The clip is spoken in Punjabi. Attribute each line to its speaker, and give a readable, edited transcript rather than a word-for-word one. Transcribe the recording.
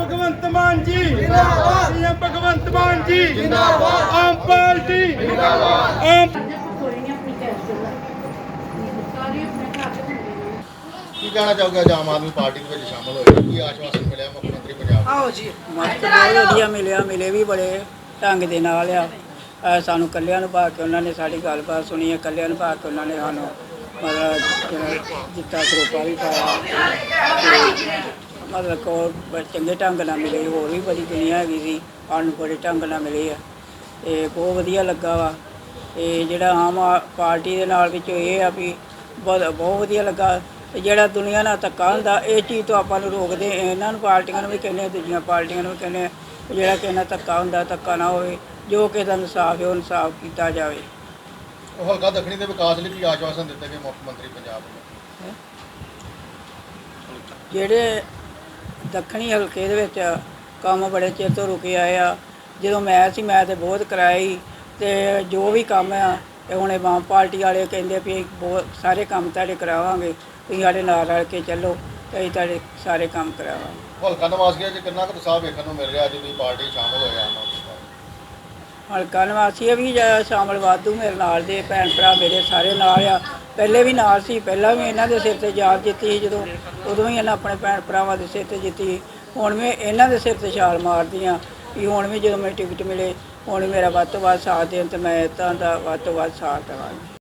Speaker 1: भगवंत मान जी जिंदाबाद। सीएम भगवंत मान जी जिंदाबाद। आम पार्टी जिंदाबाद। आम
Speaker 2: ਕੀ ਕਹਿਣਾ ਚਾਹੋਗੇ ਅੱਜ ਆਮ ਆਦਮੀ ਪਾਰਟੀ ਦੇ ਵਿੱਚ ਸ਼ਾਮਲ ਹੋਏ ਕੀ ਆਸ਼ਵਾਸਨ ਮਿਲਿਆ ਮੁੱਖ ਮੰਤਰੀ ਪੰਜਾਬ
Speaker 3: ਆਓ ਜੀ ਮਸਤ ਬਹੁਤ ਵਧੀਆ ਮਿਲੇ ਵੀ ਬੜੇ ਢੰਗ ਦੇ ਨਾਲ ਆ ਸਾਨੂੰ ਇਕੱਲਿਆਂ ਨੂੰ ਪਾ ਕੇ ਉਹਨਾਂ ਨੇ ਸਾਡੀ ਗੱਲਬਾਤ ਸੁਣੀ ਹੈ ਇਕੱਲਿਆਂ ਨੂੰ ਪਾ ਕੇ ਉਹਨਾਂ ਨੇ ਸਾਨੂੰ ਮਤਲਬ ਜਿਹੜਾ ਜਿੱਤਾ ਸਰੋਪਾ ਵੀ ਪਾਇਆ ਤੇ ਮਤਲਬ ਕੋ ਚੰਗੇ ਢੰਗ ਨਾਲ ਮਿਲੇ ਹੋਰ ਵੀ ਬੜੀ ਦੁਨੀਆ ਹੈਗੀ ਸੀ ਸਾਨੂੰ ਬੜੇ ਢੰਗ ਨਾਲ ਮਿਲੇ ਆ ਤੇ ਬਹੁਤ ਵਧੀਆ ਲੱਗਾ ਵਾ ਤੇ ਜਿਹੜਾ ਆਮ ਪਾਰਟੀ ਦੇ ਨਾਲ ਵਿੱਚ ਇਹ ਆ ਵੀ ਬਹੁਤ ਵਧੀਆ ਲੱਗਾ ਤੇ ਜਿਹੜਾ ਦੁਨੀਆ ਨਾਲ ਧੱਕਾ ਹੁੰਦਾ ਇਹ ਚੀਜ਼ ਤੋਂ ਆਪਾਂ ਨੂੰ ਰੋਕਦੇ ਇਹਨਾਂ ਨੂੰ ਪਾਰਟੀਆਂ ਨੂੰ ਵੀ ਕਹਿੰਦੇ ਦੂਜੀਆਂ ਪਾਰਟੀਆਂ ਨੂੰ ਵੀ ਕਹਿੰਦੇ ਜਿਹੜਾ ਕਿਸੇ ਨਾਲ ਧੱਕਾ ਹੁੰਦਾ ਧੱਕਾ ਨਾ ਹੋਵੇ ਜੋ ਕਿਸੇ ਦਾ ਇਨਸਾਫ ਹੈ ਉਹ ਇਨਸਾਫ ਕੀਤਾ ਜਾਵੇ।
Speaker 2: ਉਹ ਹਲਕਾ ਦੱਖਣੀ ਦੇ ਵਿਕਾਸ ਲਈ ਕੀ ਆਸ਼ਵਾਸਨ ਦਿੱਤੇ ਗਏ ਮੁੱਖ ਮੰਤਰੀ ਪੰਜਾਬ ਨੂੰ
Speaker 3: ਜਿਹੜੇ ਦੱਖਣੀ ਹਲਕੇ ਦੇ ਵਿੱਚ ਕੰਮ ਬੜੇ ਚਿਰ ਤੋਂ ਰੁਕੇ ਆਏ ਆ ਜਦੋਂ ਮੈਂ ਤੇ ਬਹੁਤ ਕਰਾਈ ਤੇ ਜੋ ਵੀ ਕੰਮ ਆ ਤੇ ਹੁਣ ਇਹ ਆਮ ਪਾਰਟੀ ਵਾਲੇ ਕਹਿੰਦੇ ਵੀ ਬਹੁਤ ਸਾਰੇ ਕੰਮ ਤੁਹਾਡੇ ਕਰਾਵਾਂਗੇ ਤੁਸੀਂ ਸਾਡੇ ਨਾਲ ਰਲ ਕੇ ਚੱਲੋ ਤੇ ਅਸੀਂ ਤੁਹਾਡੇ ਸਾਰੇ ਕੰਮ ਕਰਾਵਾਂਗੇ।
Speaker 2: ਹਲਕਾ ਨਿਵਾਸੀਆਂ 'ਚ ਕਿੰਨਾ ਕੁ ਉਤਸ਼ਾਹ ਵੇਖਣ ਨੂੰ ਮਿਲ ਰਿਹਾ ਅੱਜ ਦੀ ਪਾਰਟੀ ਸ਼ਾਮਲ ਹੋਏ ਆਮ ਆਦਮੀ ਪਾਰਟੀ
Speaker 3: ਹਲਕਾ ਨਿਵਾਸੀ ਵੀ ਸ਼ਾਮਲ ਵਾਧੂ ਮੇਰੇ ਨਾਲ ਦੇ ਭੈਣ ਭਰਾ ਮੇਰੇ ਸਾਰੇ ਨਾਲ ਆ ਪਹਿਲੇ ਵੀ ਨਾਲ ਸੀ ਪਹਿਲਾਂ ਵੀ ਇਹਨਾਂ ਦੇ ਸਿਰ ਤੇ ਜਾਲ ਜਿੱਤੀ ਸੀ ਜਦੋਂ ਉਦੋਂ ਵੀ ਇਹਨਾਂ ਆਪਣੇ ਭੈਣ ਭਰਾਵਾਂ ਦੇ ਸਿਰ ਤੇ ਜਿੱਤੀ ਹੁਣ ਵੀ ਇਹਨਾਂ ਦੇ ਸਿਰ ਤੇ ਛਾਲ ਮਾਰਦੀ ਹਾਂ ਵੀ ਹੁਣ ਵੀ ਜਦੋਂ ਮੈਨੂੰ ਟਿਕਟ ਮਿਲੇ ਹੁਣ ਮੇਰਾ ਵੱਧ ਤੋਂ ਵੱਧ ਸਾਥ ਦੇਣ ਤੇ ਮੈਂ ਇੱਦਾਂ ਦਾ ਵੱਧ ਤੋਂ ਵੱਧ ਸਾਥ ਦੇਵਾਂਗੀ।